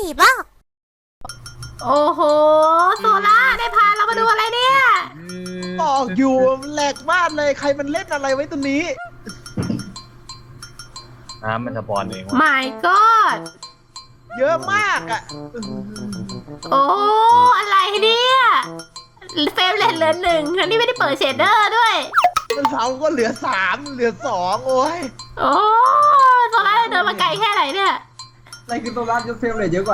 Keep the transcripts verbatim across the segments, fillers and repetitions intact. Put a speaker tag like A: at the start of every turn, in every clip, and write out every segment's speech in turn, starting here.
A: บ้า
B: โอ้โหโซล่าได้พาเรามาดูอะไรเนี่ย
C: บอกอยู่แหลกมากเลยใครมันเล่นอะไรไว้ตรงนี้
D: น้ำมันสปอนเองวะ
B: My God
C: เยอะมากอ่ะ
B: โอ้อะไรเนี่ยเฟรมเรทเหลือหนึ่งอันนี้ไม่ได้เปิดเชดเดอร์ด้วย
C: เราก็เหลือสามเหลือสองโอ้ย
B: โอ้โซล่าเดินมาไกลแค่ไหนเนี่ย
E: อะไรคือโซล่าจะเฟรมเรทเยอะกว่า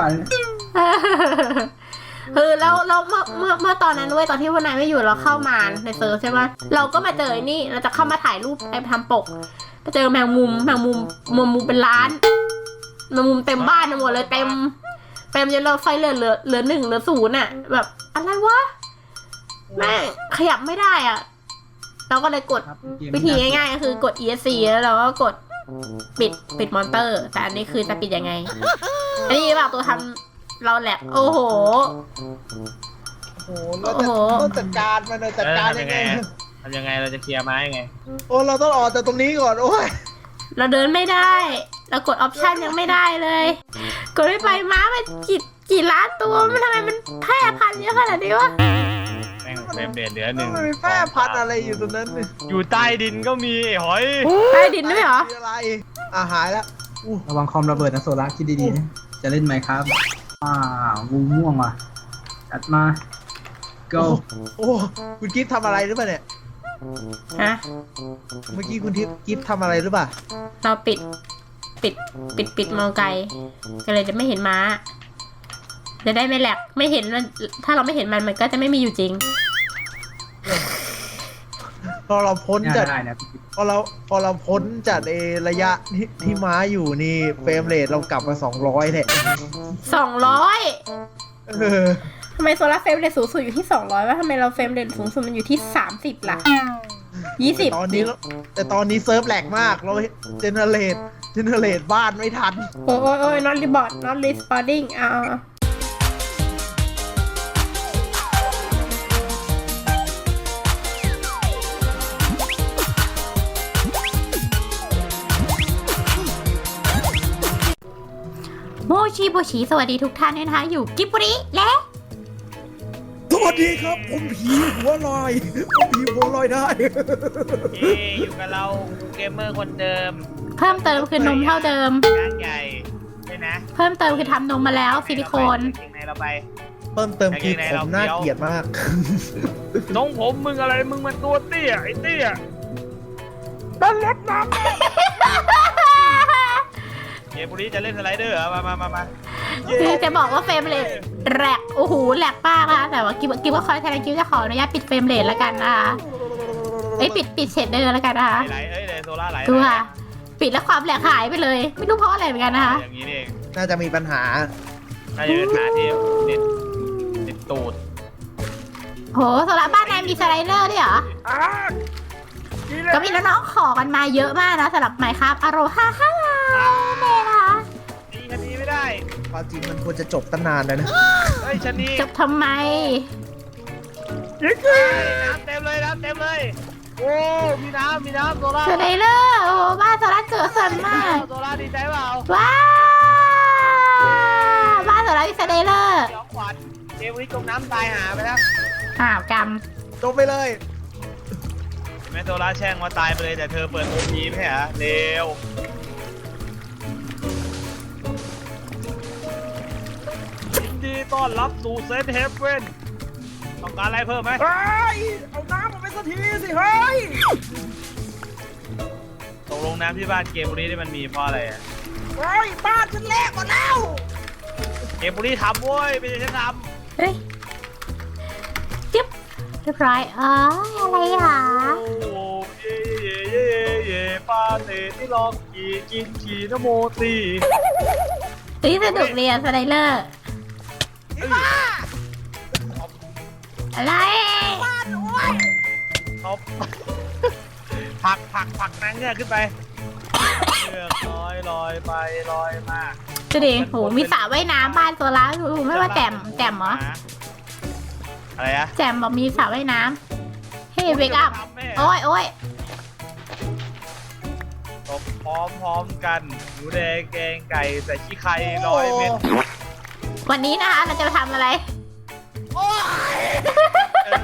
B: คือแล้วเราเมื่อเมื่อเมื่อตอนนั้นด้วยตอนที่วันนายไม่อยู่เราเข้ามาในเซิร์ฟใช่ไหมเราก็มาเจอนี่เราจะเข้ามาถ่ายรูปไปทำปกไปเจอแมงมุมแมงมุมมุมมุมเป็นล้านแมงมุมเต็มบ้านหมดเลยเต็มเต็มจนเราไฟเหลือเหลือเหลือหนึ่งเหลือศูนย์อ่ะแบบอะไรวะแม่ขยับไม่ได้อ่ะเราก็เลยกดวิธีง่ายๆก็คือกด อี เอส ซี แล้วเราก็กดปิดปิดมอนเตอร์แต่อันนี้คือจะปิดยังไงอันนี้แบบตัวทำเราแหลกโอ้โห
C: โอ้โหเราจะต้องจัดการมันจัดการยังไง
D: ทำยังไงเราจะเคลียร์ไม้ยังไง
C: โอ้เราต้องออกจากตรงนี้ก่อนโอ้ย
B: เราเดินไม่ได้เรากดออปชันยังไม่ได้เลยกดไม่ไปม้ามันกี่กี่ล้านตัวมันทำไมมันแพร่พันธุ์เยอะขนาดนี้วะ
D: แม่งเฟรมเรทเหลือหนึ่ง
C: มันมีแพร่พันธุ์อะไรอยู่ตรงนั้น
D: อยู่ใต้ดินก็มีหอย
B: ใต้ดินด้วยเหรอ
C: อะไรอ่ะหายแล้ว
E: ระวังคอมระเบิดนะโซล่าคิดดีๆนะจะเล่นไหมครับอ่างูม่วงว่ะจัดมา go
C: โอ้คุณกิฟต์ทำอะไรหรือเปล่าเนี่ย
B: ฮะ
C: เมื่อกี้คุณทิพย์กิฟต์ทำอะไรหรือเปล่า
B: เราปิดปิดปิดปิดมองไกลก็เลยจะไม่เห็นม้าจะได้ไม่แหลกไม่เห็นมันถ้าเราไม่เห็นมันมันก็จะไม่มีอยู่จริง
C: พอเราพ้นจากพอเราพอเราพ้นจากในระยะที่ที่ม้าอยู่นี่เฟรมเรทเรากลับมาสองร้อยแหละ
B: สองร้อยทำไมโซล่าเฟรมเรทสูงสุดอยู่ที่สองร้อยว่าทำไมเราเฟรมเรทสูงสุดมันอยู่ที่สามสิบล่ะยี่สิบ
C: ตอนนี้แต่ตอนนี้เซิร์ฟแหลกมากเราเจเนเรตเจเนเรตบ้านไม่ทัน
B: โอ้ยโอ้ย not report not responding อ่าโมชิโบชิสวัสดีทุกท่านด้วยนะคะอยู่กิบบุริและ
C: สวัสดีครับผมผีหัวลอยผมผีหัวลอยได้
D: เย้อยู่กับเราเกมเมอร์คนเดิม
B: เพิ่มเติมคือนมเท่าเดิม
D: งานใหญ่ใช่นะ
B: เพิ่มเติมคือทำนมมาแล้วซิลิโคน
D: ในเราไป
C: เพิ่มเติมคือผมน่าเกลียดมาก
D: น้องผมมึงอะไรมึงมันตัวเตี้ยไอ้เตี้ยต้นรถน้ำเกมบุรีจะเล่นสไลเดอร์มามามามา
B: คือจะบอกว่าเฟรมเรทแหลกโอ้โหแหลกป้าค่ะแต่ว่ากิ๊บกิ๊บก็คอยแทนกิ๊บจะขออนุญาตปิดเฟรมเรทแล้วกันนะคะเอ้ยปิดปิดเชดเดอร์แล้วกันนะคะ
D: ไหลเอ้ยเลยโซล่าไหล
B: ดูค่ะปิดแล้วความแหลกหายไปเลยไม่รู้เพราะอะไรเหมือนกันนะคะ
D: อย่างนี้เอง
C: น่าจะมีปัญหา
D: น่าจะเป็นปัญหาที่เน็ตเน็ตตูด
B: โหโซล่าบ้านนายมีสไลเดอร์ด้วยเหรอก็มีน้องๆขอกันมาเยอะมากนะสำหรับไมค์ครับอโรฮาฮ่าเลยนะคะ
D: ตีคดีไม่ได้
C: ความจริงมันควรจะจบตั้งนานแล้วนะ
D: เฮ้ยชนี
B: จบทำไม
D: น้ำเต็มเลยน้ำเต็มเลยโอ้มีน้ำมีน้ำโซล่า
B: สไลเดอร์โอ้บ้านโซล่าเกิดสนมาก
D: โซล่าดีใจเปล่า
B: ว้าวบ้านโซล่ามีสไลเดอร์
D: ย้อนขวัญเกมนี้จมน้ำตายหาไปแล้ว
B: อ้าวกรรม
C: จบไปเลย
D: แม่โซล่าแช่งว่าตายไปเลยแต่เธอเปิดโอพีไม่เหรอเร็วยินดีต้อนรับสู่เซนเฮฟเว่นต้องการอะไรเพิ่มไหม
C: เฮ้ยเอาน้ำมาไปสักทีสิเฮ้ย
D: ตกลงน้ำที่บ้านเกมบุรีนี่มันมีเพราะอะไรอ่ะ
C: เฮ้ยบ้านฉันแลกหมดแล้ว
D: เกมบุรีทำเว้ยไม่ใช่ฉันท
B: ำเฮ้ยจิ๊บเรียบร้อยอ๋ออะไรอ่ะ
D: โอ้เย่เย่เย่เย่ปาเต้ที่ลองขี่กินขี่นโมตี
B: ตีสนุกเรียนสไลเดอร์อะไร
D: บ้านโอ้ยท็อปผักผักผักนางเงือกขึ้นไปเงือกลอยลอยไปลอยมา
B: จะดิโหมีสระว่ายน้ำบ้านตัวละดูไม่ว่าแจ่มแจ่มเหรอ
D: อะไรอะ
B: แจ่มบอกมีสระว่ายน้ำเฮ้ยเวกัพโอ้ยโอ้ย
D: ตบพร้อมพร้อมกันหมูแดงแกงไก่ใส่ขี้ไข่ร้อยเม็ด
B: วันนี้นะคะเราจะมาทำอะไร
D: โอ้ย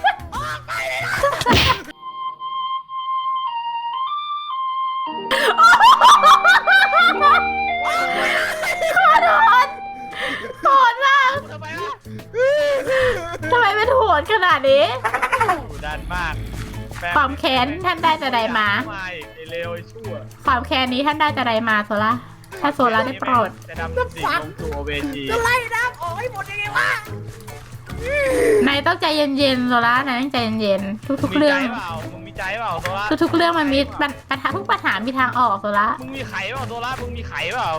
B: ขอโทษโหดมาก
D: ทำไมล่ะ
B: ทำไมเป็นโหดขนาดนี้
D: ดุดันมาก
B: ความแค้นท่านได้จะใดมา
D: ไม่ไอเลวไอชั่ว
B: ความแค้นนี้ท่านได้จะใดมาโซล่าถ้าโซล่าได้โปรด
D: จะดำดิ่งลงสู่โอเวจี
C: จะไล่น้ำออกให้หมดยังไงวะ
B: นายต้องใจเย็นๆโซล่านายต้องใจเย็นๆทุกๆเรื่อง
D: มีใจเปล่ามึงมีใจเปล่าโซล่า
B: ทุกๆเรื่องมันมีปัญปัญหาทุกปัญหามีทางออกโซล่า
D: มึงมีไข่เปล่าโซล่ามึงมีไข่เปล่า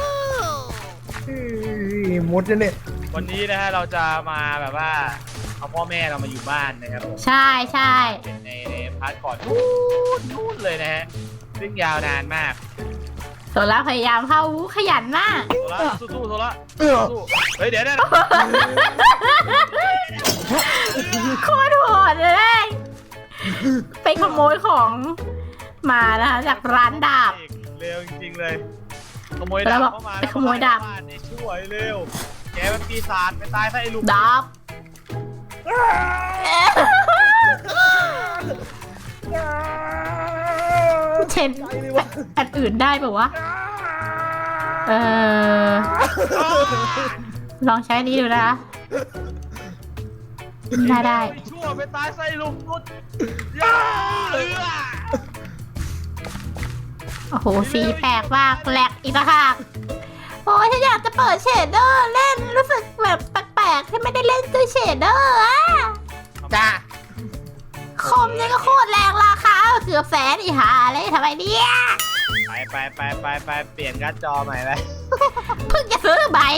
C: หมดเลยเนี่ย
D: วันนี้นะฮะเราจะมาแบบว่าเอาพ่อแม่เรามาอยู่บ้านนะครับผม
B: ใช่ใช่
D: เป็นในในพาร์ทก่อนนู่นนู่นเลยนะฮะซึ่งยาวนานมาก
B: โซล่าพยายามเข้าวู้ขยันมาก
D: โซล่าสู้ๆโซล่า
C: เออ
D: สู้ๆเฮ้ยเดี๋ยวเดี๋ยว
B: โคตรโหดเลยไปขโมยของมานะคะจากร้านดาบ
D: เร็วจริงๆเลยขโมยดาบเข้ามา
B: ไปขโมยดาบ
D: ในช่วยเร็วแกเป็นปีศาจไปตายซะไอ้ลูก
B: ดาบเช่นอันอื่นได้ป่าวะเออลองใช้นี้ดูนะคะได้ได้
D: ชั่วไปตายซะไอ้ลูกนุดย่าเอือ
B: โอ้โหสีแปลกมากแหลกอีกแล้วค่ะโอ้ยฉันอยากจะเปิดเชดเดอร์เล่นรู้สึกแบบแปลกๆที่ไม่ได้เล่นด้วยเชดเดอร์อะ
C: จ้า
B: คอมเนี่ยก็โคตรแรงราคาเกือบแสนอีหาเลยทำไมเนี่ย
D: ไปไปไปไปไปเปลี่ยนการ์ดจอใหม่ไป
B: เพิ่งจะซื้อใบ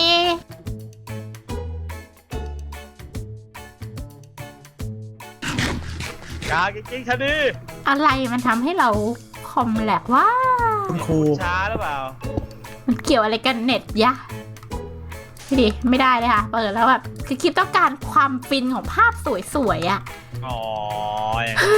D: กากิ๊กๆชะนี
B: อะไรมันทำให้เราคอมแหลกว่า
C: คุณครู
D: ช้าหรือเปล่า
B: มันเกี่ยวอะไรกันเน็ตยะไม่ดีไม่ได้เลยค่ะเปิดแล้วแบบคือคลิปต้องการความฟินของภาพสวยๆอะ
D: อ๋ออย่างนี้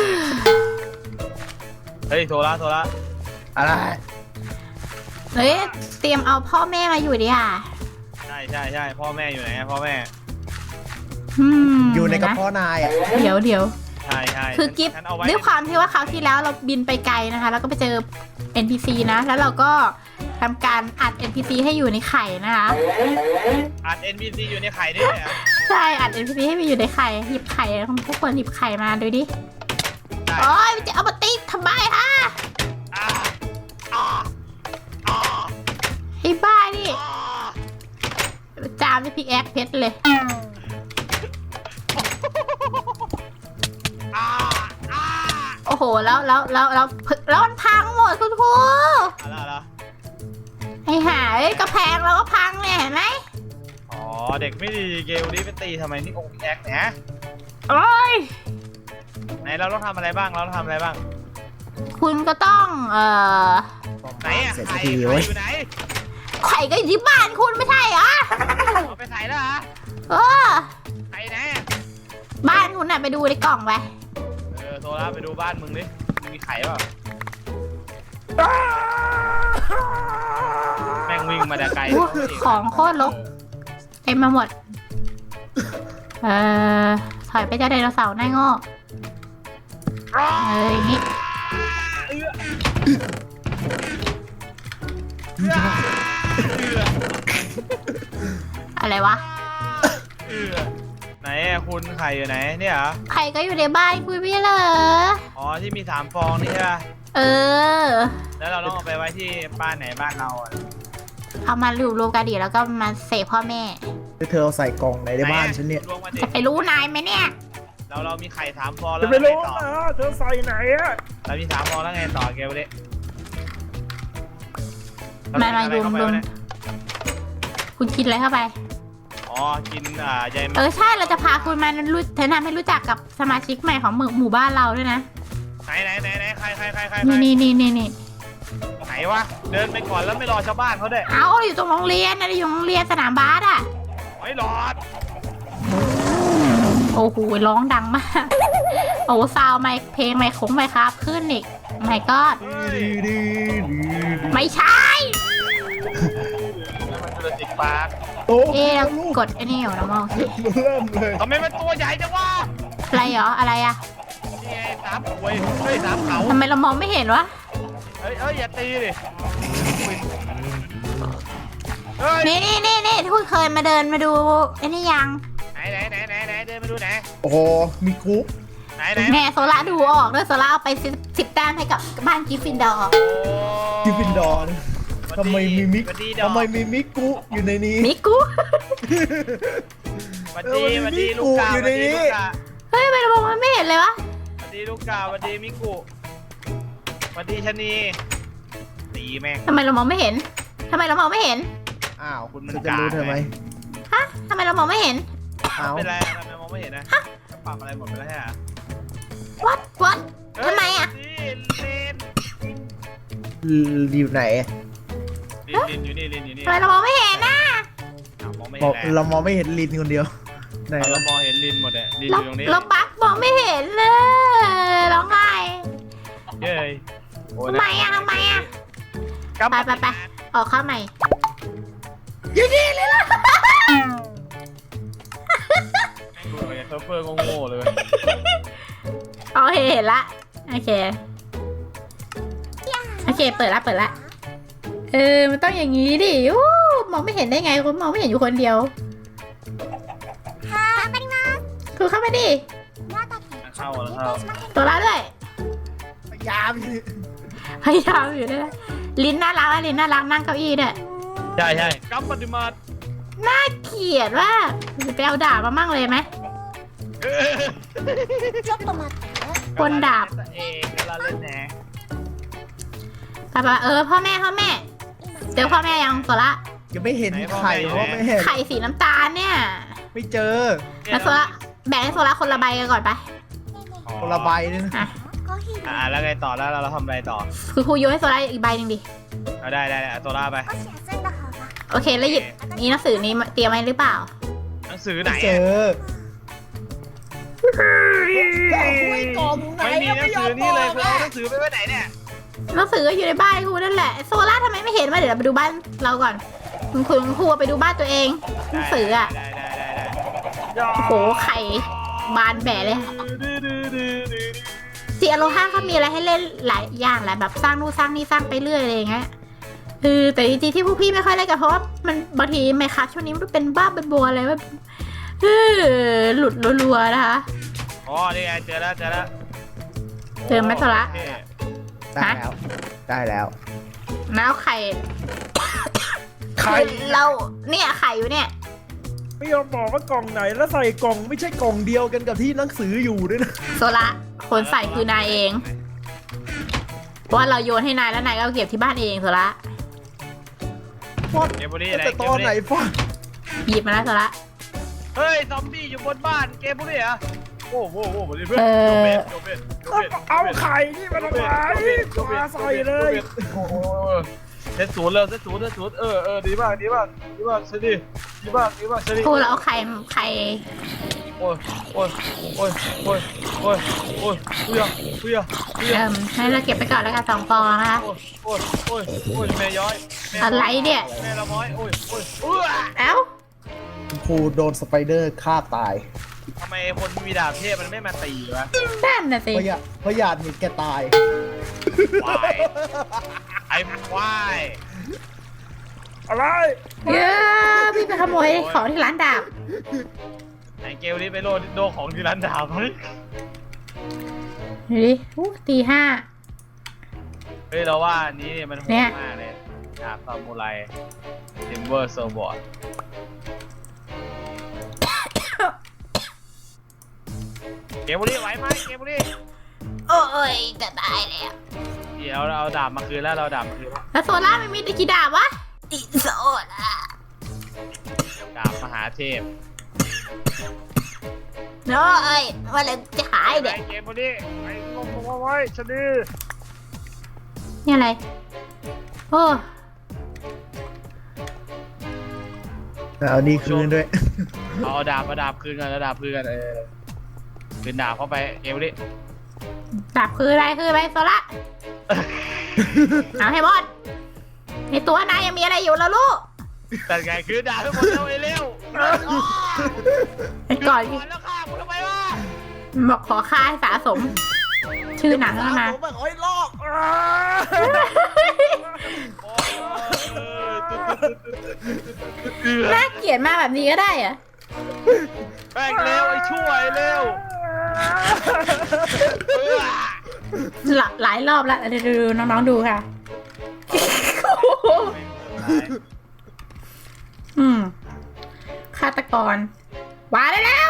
D: เฮ้ยโทรละโทรละ
C: อะไร
B: เฮ้ยเตรียมเอาพ่อแม่มาอยู่ดิค่ะ
D: ใช่ใช่ใช่พ่อแม่อยู่ไหนอะพ่อแม่
B: อืม
C: อยู่ในกระ
B: นะ
C: เพาะนายอ่ะ
B: เดี๋ยวเดี๋ยว
D: ใช่ใช่
B: คือกิฟ
D: ฉันเอาไว้
B: ด้วยความที่ว่าคราวที่แล้วเราบินไปไกลนะคะ แล้วก็ไปเจอ เอ็น พี ซี นะ แล้วเราก็ทำการอัด เอ็น พี ซี ให้อยู่ในไข่นะคะ
D: อัด เอ็น พี ซี อยู่ในไข่ด้วยเหรอ
B: ใช่อัด เอ็น พี ซี ให้ไปอยู่ในไข่หยิบไข่ทุกคนหยิบไข่มาดูดิ
D: ได้
B: โอ้ยมันจะเอามาติ๊กทำไมฮะ
D: อ่าอ่าอ่า
B: ไอ้บ้านี่
D: อ่า
B: จามด้วยพิกแอคเพชรเลย
D: อ่าอ่า
B: โอ้โหแล้วแล้วแล้วแล้วแล้วมันพังหมดคุณครู
D: อะไรเหรอ
B: ไอ้ห่าเอ้ยกระแพงเราก็พังเนี่ยเห็นไหม
D: อ๋อเด็กไม่ดีเกลนี้ไปตีทำไมนี่องค์แอกเนี่ย
B: โอ้ย
D: ไหนเราต้องทำอะไรบ้างเราต้องทำอะไรบ้าง
B: คุณก็ต้องเอ่อ
D: ไหนอะ
C: เสร็จ
D: ไข่
C: สักที
D: ไข่
C: เว้ย
D: อยู่ไหน
B: ไข่ก็อยู่ที่บ้านคุณไม่ใช่เหรอ
D: เอาไปใส่แล้วเหรอ
B: เออ
D: ไข่ไหนอะ
B: บ้านคุณน่ะไปดูในกล่องไป
D: เออโทรแล้วไปดูบ้านมึงดิมึงมีไข่เปล่าแม่งวิ่งมาแต่ไกล
B: อู้ของโคตรรกเต็มมาหมด เออถอยไปเจ้าไดโนเสาร์หน้าโง่เอออย่างนี้
D: เอื้อเอื้อเอื้อ
B: อะไรวะ
D: เอื้อไหนอะคุณไข่อยู่ไหนเนี่ยเหรอ
B: ไข่ก็อยู่ในบ้านคุณไม่ใช่เหรอ
D: อ๋อที่มีสามฟองนี่ใช่ป่ะ
B: เออ
D: แล้วเราต้องเอาไปไว้ที่บ้านไหนบ้านเราอะ
B: เอามารูปรวมกันดีแล้วก็มาเสพพ่อแม่
C: เธอเอาใส่กล่องไหนในบ้านฉันเนี่ย
D: รวมกันดิ
B: จะไปรู้นายไหมเนี่ย
D: เราเรามีไข่สามฟองแล้ว
C: จะไปรู้
D: งต่อ
C: นะเธอใส่ไหนอ่ะ
D: เรามีสามฟองแล้วไงต่อเกลเลย
B: มามารวมรวมคุณกินอะไรเข้าไป
D: อ๋อกินอ่าใย
B: เออใช่เราจะพาคุณมารู้แนะนำให้รู้จักกับสมาชิกใหม่ของหมู่หมู่บ้านเราด้วยนะ
D: ไหนไหนไหนไหนใครใครใครใคร
B: นี่นี่นี่นี่นี่
D: ไหนวะเดินไปก่อนแล้วไม่รอชาวบ้านเขาด้วย
B: เอาอยู่ตรงโรงเรียนนะอยู่โรงเรียนสนามบาสอ่ะ
D: ไม่รอด
B: โอ้โหร้องดังมาก โอ้ซาวไมค์เพลงไมค์คงไมค์ครับขึ้นอีกไม่ก็
D: เฮ้ย
C: ดีดีดี
B: ไม่ใช่
D: มันจุลจิกปาร์ค
C: โอ้อ้
B: เอ๊ะเรา
C: ลูก
B: กดไอ้นี่อยู่นะมอง
C: เริ่มเลย
D: ทำไมมันตัวใหญ่จังวะ
B: อะไรเหรออะไรอะ
D: นี่ไงสามหวยเฮ้ยสามเขา
B: ทำไมเรามองไม่เห็นวะ
D: เฮ้ยเอ้ยอย่าตีดิเฮ้ย
B: นี่นี่นี่นี่ทุกเคยมาเดินมาดูไอ้นี่ยัง
D: ไหนไหนไหนไหนไหนเดินมาดูไหน
C: โอ้โหมีกุ๊ก
D: ไหนไหน
B: แม่โซล่าดูออกด้วยโซล่าเอาไปสิบสิบแต้มให้กับบ้านกิฟฟินดอร์
D: โอ้
C: กิฟฟินดอร์นะ
D: สวัสดี
C: ทำไมมีมิก
D: สวัสดีดอก
C: ทำไมมีมิกุอยู่ในนี้
B: มิกุ
D: สวัสดี
C: เออ
D: ส
C: มัน
D: วัส
C: มี
D: ดีลูกกา
C: มิกุอยู่
D: สวัส
C: ใน
D: ดี
C: นี้
D: ลูกกา
B: เฮ้ยทำไมเรามองมันไม่เห็นเลยวะ
D: สวัสดีลูกกาสวัสดีมิกุสวัสดีชะนีตีแม่ง
B: ทำไมเรามองไม่เห็นทำไมเรามองไม่เห็น
C: อ้าว
D: คุณมัน
C: จะรู้เธอไหม
B: ฮะทำไมเรามองไม่เห็น
C: อ้าว
D: เป็นไรทำไมมองไม่เห็นนะจะปรับอะไรหมดไปแล้วใช่ไหม
B: วัดวัด ทำไมอะ
D: ลิน
C: อยู่ไหน
D: ลินลินอยู่นี่ลินอยู่นี่
B: ทำไมเรามองไม่เห็นนะ
D: อ้าวมองไม่
C: บ
D: เห็
C: อน ก
D: แล้ว
C: เรามองไม่เห็นลินคนเดียวไหน
D: เรา
C: วะ
D: มองเห็นลินหมดเลยลินอ
B: เรา
D: ยู่ตรงนี้
B: เราบักมองไม่เห็นเลยร้องไห้
D: เย้ยโอ้ย
B: ทำไมอะทำไมอะ
D: กำ
B: ไปไปไป ออกเข้าใหม่อยู่นี่เลยล่ะ
D: ดูเลยเซิร์ฟเวอร์โง่ๆเลย
B: โอเคเห็นละโอเคโอเคเปิดละเปิดละเออมันต้องอย่างนี้ดิอู้มองไม่เห็นได้ไงคุณมองไม่เห็นอยู่คนเดียวคือเข้ามาดิ
D: เข้าแล้วเข้า
B: ตัวละด้วย
C: พยายามอยู่
B: พยายามอยู่ด้วยลิ้นน่ารักอะลิ้นน่ารักนั่งเก้าอี้ด้วย
D: ใช่ใช่กัมปฏิมาต
B: น่าเกลียดว่ากไปเอาดาบมามั่งเลยไหม บนดาบ
D: เองกำลังเล่นแหน
B: ป้าป้าเออพ่อแม่พ่อแม่เจอพ่อแม่ยังโซละ
C: ยังไม่เห็นไข่เพราะไม่เห็น
B: ไข่สีน้ำตาลเนี่ย
C: ไม่เจอ
B: แล้วโซละแบ่งให้โซละคนละใบกันก่อนไป
C: คนละใบเลยนะ
B: อ่ะ
D: อ่าแล้วไงต่อแล้วเราทำอะไรต่อ
B: คือครูโยนให้โซละอีกใบหนึ่งดิ
D: เอาได้ได้ได้เอาตัวล่าไป
B: โอเคแล้วหยิบนี่หนังสือนี้มาเตรียมไว้หรือเปล่า
D: หนังสือไหน
C: ไม่เจ
D: อะ
C: อไม่กล่องไหน
D: ไม่มีหนังสือนี่เลยคือเอาหนังสือไปไว้ไหนเนี่ย
B: หนังสืออยู่ในบ้านครูนั่นแหละโซล่าทำไมไม่เห็นวะเดี๋ยวเราไปดูบ้านเราก่อนคุณครูคุณครูไปดูบ้านตัวเองหนังสืออ่ะ
D: ได้ได้ได้ได้
B: โอ้โหไข่บานแบะเลยซีอโลห้าเขามีอะไรให้เล่นหลายอย่างแหละแบบสร้างนู่นสร้างนี่สร้างไปเรื่อยอะไรอย่างเงี้ยเออแต่จริงๆที่พวกพี่ไม่ค่อยเล่นกันเพราะว่ามันบางทีไมครับช่วงนี้มันเป็นบ้าเป็นบัวอะไรแบบเออหลุดรัวๆนะคะ
D: อ๋อนี่ไงเจอแล้วเจอแล้ว
B: เจอไหมโซละ
D: โอเค
C: ได้แล้ว ได้แล้ว
B: แล้วไข่
C: ไข่
B: เราเนี่ยไข่อยู่เนี่ย
C: ไม่ยอมบอกว่ากล่องไหนแล้วใส่กล่องไม่ใช่กล่องเดียวกันกับที่หนังสืออยู่ด้วยนะ
B: โซละคนใส่คือนายเองเพราะว่าเราโยนให้นายแล้วนายก็เอาเก็บที่บ้านเองโซละ
C: ฟอด
D: เกมบุรีไหน
C: แต่ตอนไหนฟอด
B: หยิบมาแล้วโซละ
D: เฮ้ยซอมบี้อยู่บนบ้านเกมบุรีเหรอโอ้โหโอ้โหเพื่อน
B: เอ
D: โด
B: อ
D: เบนโดเบนโดเบน
C: เอาไข่นี่มาทำไมมาใส่เลย
D: โอ้โหเซตศูนย์เลยเซตศูนย์เซตศูนย์เออเออดีมากดีมากดีมากเชดีดีมากดีมากเชดี
B: ครูเราเอาไข่ไข่
D: โอ้ยโอ้ยโอ้ยโอ้ยโอ้ยโอ้ยเพื่อเพื่อเพื่อ
B: เอิ่มให้เราเก็บไปก่อนแล้วกันสองฟองนะคะ
D: โอ้ยโอ้ยโอ้ยโอ้ยแม่ย้อยแม่
B: อะไรเนี่ย
D: แม่ละม้อยโอ้ยโอ้ยเอื้อ
B: เอ้า
C: ครูโดนสไปเดอร์ฆ่าตาย
D: ทำไมคนมีดาบเทพมันไม่มาตีวะ
B: นั่นน่ะสิ
C: เพราะอยาเพราะอยากเห็นแกตาย
D: ควายไอ้ควาย
C: อะไร
B: เยอะพี่ไปขโมยของที่ร้านดาบ
D: ไอ้เกลนี่ไปโลดโดของที่ร้านดาบเฮ้ย
B: ดูดิอู้ตีห้า
D: เฮ้ยเราว่าอันนี้เนี่ยมันโห
B: เนี่
D: ด
B: ย
D: มากเลยดาบซามูไรทิมเบอร์โซบอร์ดเกมบุรีไหวไหมเกมบุรี
B: โอ้ยจะตายแล้ว
D: เดี๋ยวเราเอาดาบมาคืนแล้วเราเอาดาบมาคืนแล้ว
B: แล้วโซล่ามันมีตะกี้ดาบวะติโซล่า
D: ดาบมหาเทพ
B: เนาะเอ้ยว่าเราจะหาย
D: ไอ้
B: เด็ก
D: เกมบุรีไอ้งงงไว้ชะนี
B: นี่อะไรโอ้
C: เอานี่คืนด้วย
D: เอาดาบมาดาบคืนกันแล้วดาบคืนกันเออคืนดาบเข้าไปเกมบุรี
B: ดาบคืออะไรคืออะไรโซล่าเอาให้หมดในตัวนายยังมีอะไรอยู่แล้วลูก
D: แต่ไงคือด่าไปหมดแล้วไอ้เร็ว
B: ไอ้ก่อน
D: ก่อนแล้วฆ่ากูทำไมวะ
B: บอกขอค่าให้สะสม ชื่อหนังแล้วนะ
C: ผมแบบโอ้ยลอก
D: โอ้ยตุ๊ดตุ๊ดตุ๊ดตุ๊ด
B: น่าเกลียดมากแบบนี้ก็ได้เหรอะ
D: แป้งเร็วไอ้ช่วยเร็ว
B: หลาหลายรอบแล้วเดี๋ยวดูน้องๆดูค่ะ อืมฆาตกรวางได้แล้ว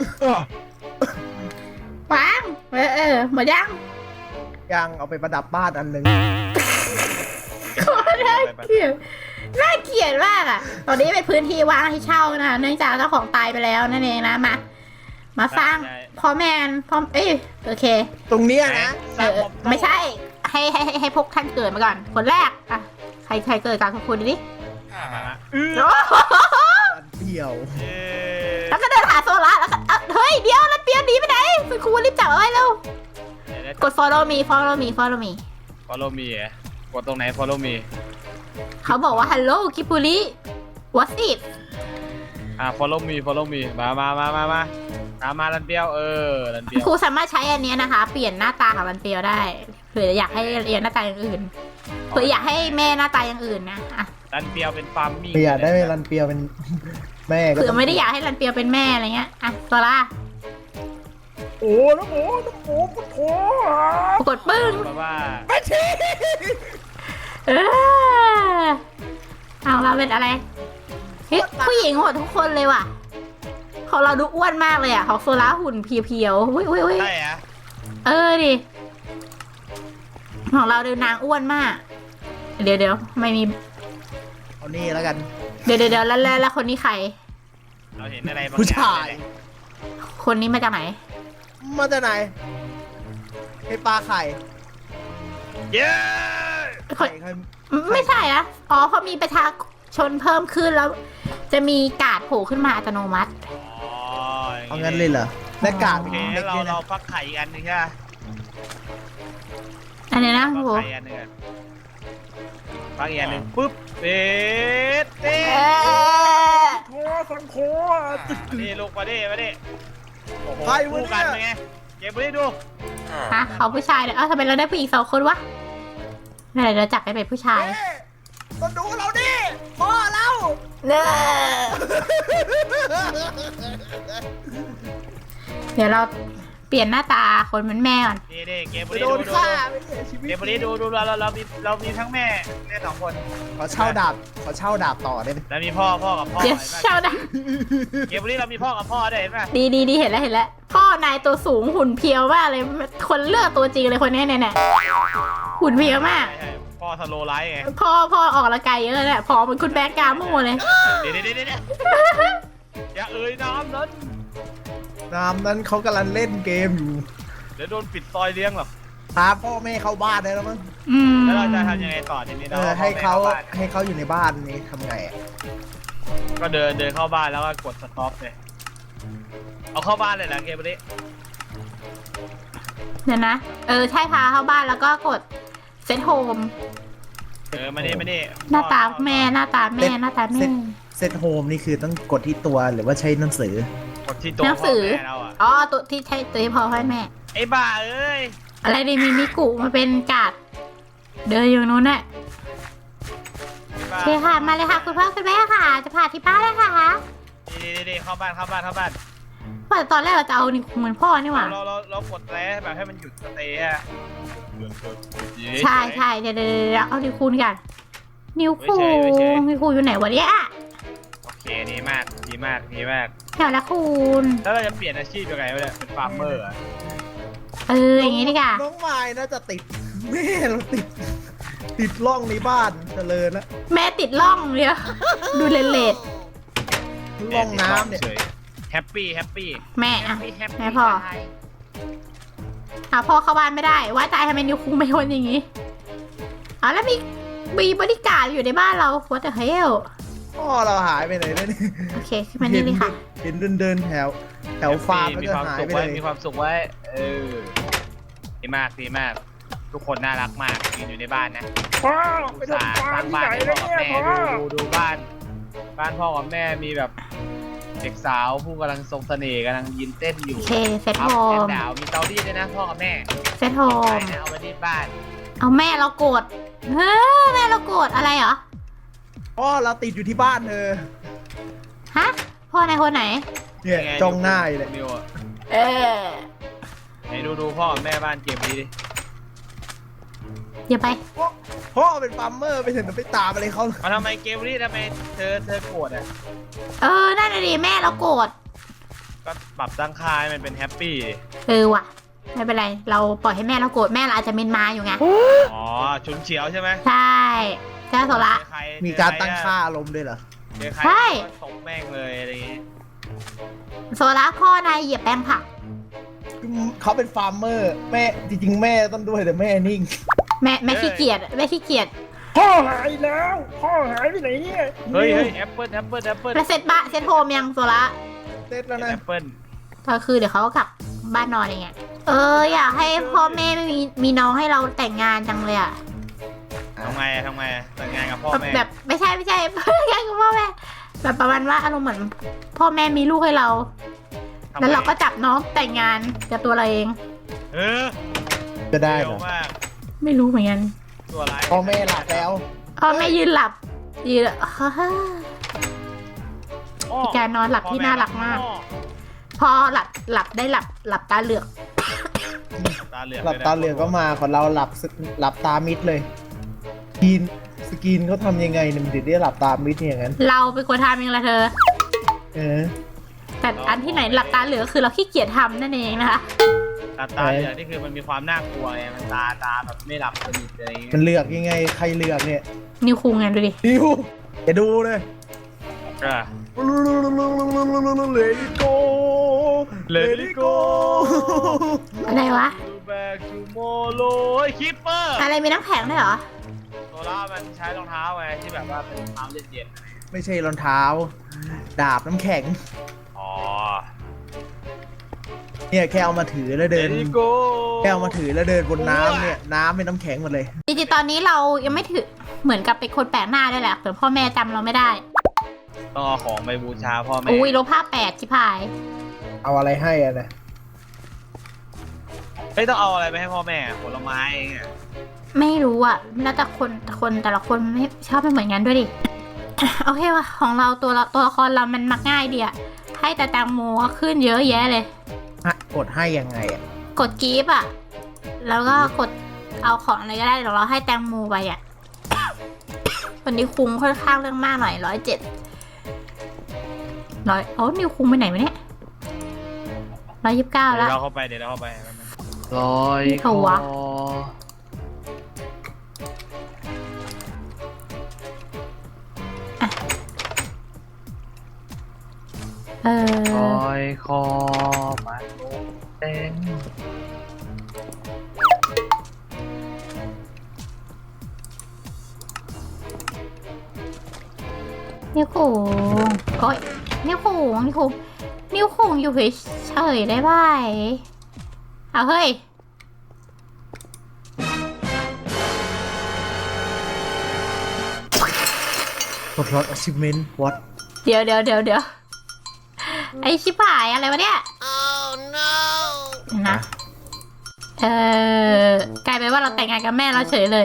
B: วางเออเออหมดยัง
C: ยังเอาไปประดับบ้านอันหนึ่ง
B: โคตรน่าเกลียดน่าเกลียดมากอ่ะ ตอนนี้เป็นพื้นที่ว่างให้เช่านะเนื่องจากเจ้าของตายไปแล้วนั่นเองนะมามาสร้างพ่อแมนพ่อเอ้ยโอเค
C: ตรงเนี้ยนะ
B: เออไม่ใช่ให้ให้ให้ให้พวกท่านเกิดมาก่อน คนแรกอ่ะใครใครเกิดกันขอบคุณดิ
D: มาละ
C: อันเดียว
D: เย้
B: แล้วก็เดินหาโซล่าแล้วก็เอ้าเฮ้ยเดี๋ยวแล้วเปียวหนีไปไหนคุณครูรีบจับเอาไว้เร็วกด follow me follow me follow me
D: follow me อ่ะกดตรงไหน follow me
B: เขาบอกว่า hello คิปุริ what's it
D: อ่ะ follow me follow me มามามามามาตามมาลันเปียวเออลันเปียว
B: ครูสามารถใช้อันเนี้ยนะคะ เปลี่ยนหน้าตาของรันเปียวได้เผื่ออยากให้เรียนหน้าตาอย่างอื่นเผื่ออยากให้แม่หน้าตาอย่างอื่นนะอ่ะ
D: ลันเปียวเป็นฟาร์มมิ่ง
C: เปียได้รันเปียวเป็นแม่ก็
B: เผื่อไม่ได้อยากให้รันเปียวเป็นแม่อะไรเงี้ยอ่ะโซล่า
C: โอ้น้ำโอ้น้ำโอ้พุทโธ
B: กดปึ้ง
D: แบบว่า
C: ไม่ใช่
B: เออเอาเราเป็นอะไรเฮ้ยผู้หญิงหมดทุกคนเลยว่ะของเราดูอ้วนมากเลยอ่ะของโซล่าหุ่นเพียวๆอุ้ยอุ้ยอุ้ย
D: ใช่อะ
B: เออดิของเราดูนางอ้วนมาก เดี๋ยวเดี๋ยวไม่มี
C: เอานี่แล้วกัน
B: เดี๋ยวเดี๋ยวเดี๋ยวแล้วแล้วแล้วคนนี้ใคร
D: เราเห็นอะไรบาง
C: ผู้
D: อย่า
C: ชาง ย
D: เลย
B: คนนี้มาจากไหน
C: มาจากไหนให้ปลาไข่
D: เย้
B: คน
C: ไข่ไข่
B: ไม่ใช่อะอ๋อเพราะมีประชาชนเพิ่มขึ้นแล้ว จะมีการ์ดโผล่ขึ้นมาอัตโนมัติ
D: อ๋อ
C: เอางั้นเลยเหรอและกาด
D: โอเค
C: เด็ก
D: เรา
C: เนี่ย
D: เรา
C: นะ
D: ฟักไข่อีกอันหนึงใช่ไหม
B: อันนี้นะ
D: ฟั
B: โห
D: กไข่อันหนึงอะฟักอีกอันหนึงปุ๊บเด็ดเด็
B: เอ
D: ด
B: อ
C: โคสังโค
D: มาดิลูกมาดิมาดิโอ้โห
C: ใครวะ
D: คู่กัน
C: เนี่ย
D: เป็นไงเก็บมาดิดู
B: ฮะเขาผู้ชายเนี่ยเอ้าทำไมเราได้ผู้หญิงสองคนวะไหนเราจับไปเป็นผู้ชาย
C: เอ๊ะต้องดูเราดิพ่อเรา
B: เนอเดี๋ยวเราเปลี่ยนหน้าตาคนเป็นแม่ก่อน
D: นี่นี่เก็บมา
C: ไป
D: ดิ
C: โด
D: ดู
C: น
D: ดู
C: ฆ่าไม่เสียชีวิต
D: เก็บมาดิดูดูเราเราเรามีเรามีทั้งแม่แม่สองคน
C: ขอเช่าดาบขอเช่าดาบต่อได้ไหม
D: แล้วมีพ่อพ่อกับพ่อ
B: เดี๋ยว
D: เห็นไหม
B: เช่าได้
D: เก็บมาดิเรามีพ่อกับพ่อด้วยเห็นไหม
B: ดีดีดีเห็นแล้วเห็นแล้วพ่อนายตัวสูงหุ่นเพรียวมากเลยคนเลือกตัวจริงเลยคนนี้เนี่ยเนี่ยหุ่นเพรียวมาก
D: ใช่ใช่พ่อสโลไลท์ไง
B: พ่อพ่อออกกำลังกายเยอะแหละพอเป็นคุณแบงค์กาโม่เลย
D: เดี๋ยวเดี๋ยวเดี๋ยวเดี๋ยวอย่าเอ่ยน้ำนั้น
C: น้ำนั้นเขากำลังเล่นเกมอยู่
D: เดี๋ยวโดนปิดซอยเลี้ยงหรอก
C: พาพ่อแม่เข้าบ้านได้แล้วมั้ง
B: อืม
D: แล้วเราจะทำยังไงต่อทีนี้
C: เอ
D: เรา
C: อให้เขา
D: บ้าน
C: ให้เขาอยู่ในบ้านนี่ทำไงอะ
D: ก็เดินเดินเข้าบ้านแล้วก็กดสต็อปเลยเอาเข้าบ้านเลยเหรอเกมนี้
B: เดี๋ยวนะเออใช่พาเข้าบ้านแล้วก็กดเซตโฮม
D: เออมานี่มานี่
B: หน้าตาแม่หน้าตาแม่หน้าตาแม่
C: เซตโฮมนี่คือต้องกดที่ตัวหรือว่าใช้หนังสือ
D: กดที่ตัว
B: หนังสือ
D: พ่อแม่เราอะ
B: อ๋อตัวที่ใช่ตัวที่พ่อให้แม่
D: ไอ้บ้าเอ้ย
B: อะไรดีมีมิกุมาเป็นการ์ดเดินอยู่นู้นน่ะ
D: ไอ้
B: โอ
D: บ้า
B: เคค่ะมาเลยค่ะคุณพ่อคุณแม่ค่ะ จะพาที่บ้านเลยค่ะ
D: ดีดีดีเข้าบ้านเข้าบ้านเข้าบ้าน
B: ว่าแต่ตอนแรกเราจะเอานี่เหมือนพ่อนี่หว่า
D: เราเราเรากดแล้วแบบให้มันหยุดสเตย์อะ
B: ใช่ใช่เดี๋ยวเดี๋ยวเดี๋ยวเอานิ้วคูณกันนิ้วคูณนิ้วคูณอยู่ไหนวะเนี่ย
D: โอเคดีมากดีมากดีมาก
B: แถวละคูณ
D: แล้วเราจะเปลี่ยนอาชีพยังไงวะเนี่ยเป็นฟาร์มเมอร์อะ
B: เอออย่างงี้ดีกว่า
C: น้องไม้น่าจะติดแม่เราติด ติดล่องในบ้านเจริญแล้ว
B: แม่ติดล่องเดียวดูเลนเลด
C: ล่องน้ำเนี่ย
D: แฮปปี้แฮปปี้
B: แม่อะแม่พ่อหาพ่อเข้าบ้านไม่ได้ ว่าตายทำไมนิ้วคุ้งไม่ทนอย่างงี้อ๋อแล้วมีมีบริการอยู่ในบ้านเรา what the hell
C: พ่อเราหายไปไหนแล้วเนี่ย
B: โอเคขึ้นมานี่เลยค่ะ
C: เห็นเดินเดินๆแถว แถวฟาร์มแล้ว
D: มี
C: ก็
D: ความ
C: หาย
D: สุข
C: ไป
D: ไว้
C: เลย
D: มีความสุขไว้เออดีมากดีมาก ทุกคนน่ารักมากยืนอยู่ในบ้านนะ
C: พ่อ
D: อุตส่าห์สร้างบ้านให้พ่อกับแม่ดูดูดูบ้านบ้านพ่อกับแม่มีแบบเด็กสาวผู้กำลังทรงเสน่ห์กำลังยืนเต้นอยู่
B: โอเคเซต
D: อั
B: โฮ
D: พแอน
B: ม
D: ด์ดาวมีเตารีดด้วยนะพ่อกับแม่
B: เซตโฮ
D: ไป
B: ม
D: นะเอาไว้ที่บ้าน
B: เอาแม่เราโกรธเฮ้ยแม่เราโกรธอะไรเหรอ
C: พ่อเราติดอยู่ที่บ้านเธอ
B: ฮะพ่อในคนไหน
C: เนี่ย
D: ไ
C: จ้องหน้าอยู่เลย
D: นิวอะ
B: เออ
D: ไหนดูดูพ่อกับแม่บ้านเกมนี้ดิ
B: อย่าไป
C: พ่อเป็นฟาร์มเมอร์ไปถึงไปตามอะไรเขา
D: มาทำไมเกมนี้ทำไมเธอเธอโกรธอ่ะ
B: เออนั่นน่ะดิแม่เราโกรธ
D: ก็ปรับตั้งค่าให้มันเป็นแฮปปี้ดิ
B: เออว่ะไม่เป็นไรเราปล่อยให้แม่เราโกรธแม่เราอาจจะเมนมาอยู่ไง
D: อ๋อฉุนเฉียวใช่ไหม
B: ใช่ใช่โซละ
D: เจอใคร
C: มีการตั้งค่าอารมณ์ด้วยเหรอ
D: เจอใคร
B: ใช่
D: ก็ตบแม่งเลยอะไรอย่างงี้
B: โซละพ่อนายเหยียบแป้งผัก
C: เขาเป็นฟาร์มเมอร์แม่จริงๆแม่ต้องด้วยแต่แม่นิ่ง
B: แม่แม่ขี้เกียจแม่ขี้เกียจ
C: พ่อหายแล้ว พ่อหายไปไหนเนี่ย
D: เฮ้ยเฮ้ยแอปเปิลแอปเปิลแอปเปิล
B: แล้วเซตบ้านเซตโฮมยังโซละ
C: เสร็จแล้วนะ
D: แอปเปิล
B: ก็คือเดี๋ยวเขาก็กลับบ้านนอนเองไงเอออยากให้พ่อแม่ไม่มีมีน้องให้เราแต่งงานจังเลยอะ
D: ทำไงอะทำไงอะแต่งงานกับพ่อแม่
B: แบบไม่ใช่ไม่ใช่ แค่กับพ่อแม่แบบประมาณว่าอารมณ์เหมือนพ่อแม่มีลูกให้เรา
D: ทำไง
B: แล้วเราก็จับน้องแต่งงานกับตัวเราเอง
D: เออ
C: จะได้
D: เร็
C: เหร
D: ว
C: อ
D: มาก
B: ไม่รู้เหมือนกัน
D: ตัวอะไร
C: พ่อแม่หลับแล้ว
B: พ่อแม่ยืนหลับยืนฮ่าฮ่า
D: อ้อ
B: การนอนหลับที่น่ารักมาก
D: อ้อ
B: พอหลับหลับได้หลับหลับตาเหลือก
D: ตาเหลือก
C: หลับตาเหลือกก็มาของเราหลับสหลับตามิดเลยสกินสกินเขาทำยังไงเนี่ยมันถึงได้หลับตามิดอย่างนั้น
B: เราเป็นคนทำเองละเธอ
C: เออ
B: แต่อันที่ไหนหลับตาเหลือกคือเราขี้เกียจทำนั่นเองนะคะ
D: ตาตาเหลือกนี่คือมันมีความน่ากลัวไงมันตาตาแบบไม่หลับสนิทอะไรอย่างเงี้ย
C: มันเลือกยังไงใครเลือกเนี่ย
B: นิวคุงไงดูดิ
C: ดิวอย่าดูเลย
D: อ่ะ
C: เลดี้โก
D: Let it go
B: อะไรวะ
D: Back tomorrow คิปเปอร์
B: อะไรมีน้ำแข็งด้วยเหรอ
D: โซล่ามันใช้รองเท้าไงที่แบบว่าเป็นรองเท้าเย็น
C: ไม่ใช่รองเท้า ดาบน้ำแข็ง
D: ๆอ๋อ
C: เนี่ยแค่เอามาถือแล้วเดิน
D: Let it go
C: แค่เอามาถือแล้วเดินบนน้ำเนี่ยน้ำเป็นน้ำแข็งหมดเลย
B: จริงๆตอนนี้เรายังไม่ถือเหมือนกับเป็นคนแปลกหน้าด้วยแหละแต่พ่อแม่จำเราไม่ได้
D: ต้องเอาของไปบูชาพ่อแม่
B: อุ้ยลบภาพแปดชิพาย
C: เอาอะไรให้อะนะ
D: ไม่ต้องเอาอะไรไปให้พ่อแม่ผลไม้เองอะ
B: ไม่รู้อ่ะแล้วแต่คนแต่คนแต่ละคนไม่ชอบไม่เหมือนกันด้วยดิ โอเคว่ะของเราตัวละตัวละครเรามันมักง่ายดีอะให้แต่แตงโมก็ขึ้นเยอะแยะเลย
C: ฮะกดให้ยังไงอะ
B: กดกีฟอ่ะ แล้วก็กดเอาของอะไรก็ได้เดี๋ยวเราให้แตงโมไปอ่ะ วันนี้คุงค่อนข้างเรื่องมากหน่อยร้อยเจ็ดร้อยโอ้นิวคุงไปไหนวะเนี่ยร้อยยี่สิบเก้า
D: เดี๋
B: แล้
D: ยว วเราเข้าไปเดี๋ยวเราเข้าไปลอย
B: นี่เขาวะ เอ
D: ล
B: อ
D: อยคอมาลงเต้น
B: นิ้วโขงโอ้ยนิ้วโขงนิ้วโขงนิ้วโขงอยู่เฉยๆได้ไหมเอาเฮ้ย
C: กดรถ achievement what
B: เดี๋ยวเดี๋ยวเดี๋ยวเดี๋ยวไอชิบหายอะไรวะเนี่ย
A: Oh no!
B: เดี๋ยวนะ เออกลายเป็นว่าเราแต่งงานกับแม่เราเฉยเลย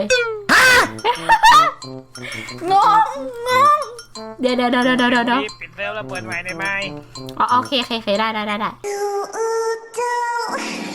B: งงงงเดี๋ยวเดี๋ยวเดี๋ยวเดี๋ยวเดี๋ยวเดี๋ยว
D: รีบปิดเร็วแล้วเปิดใหม่ได้ไหม
B: อ๋อโอเคโอเคโอเคได้ได้ได้ได้
A: Do do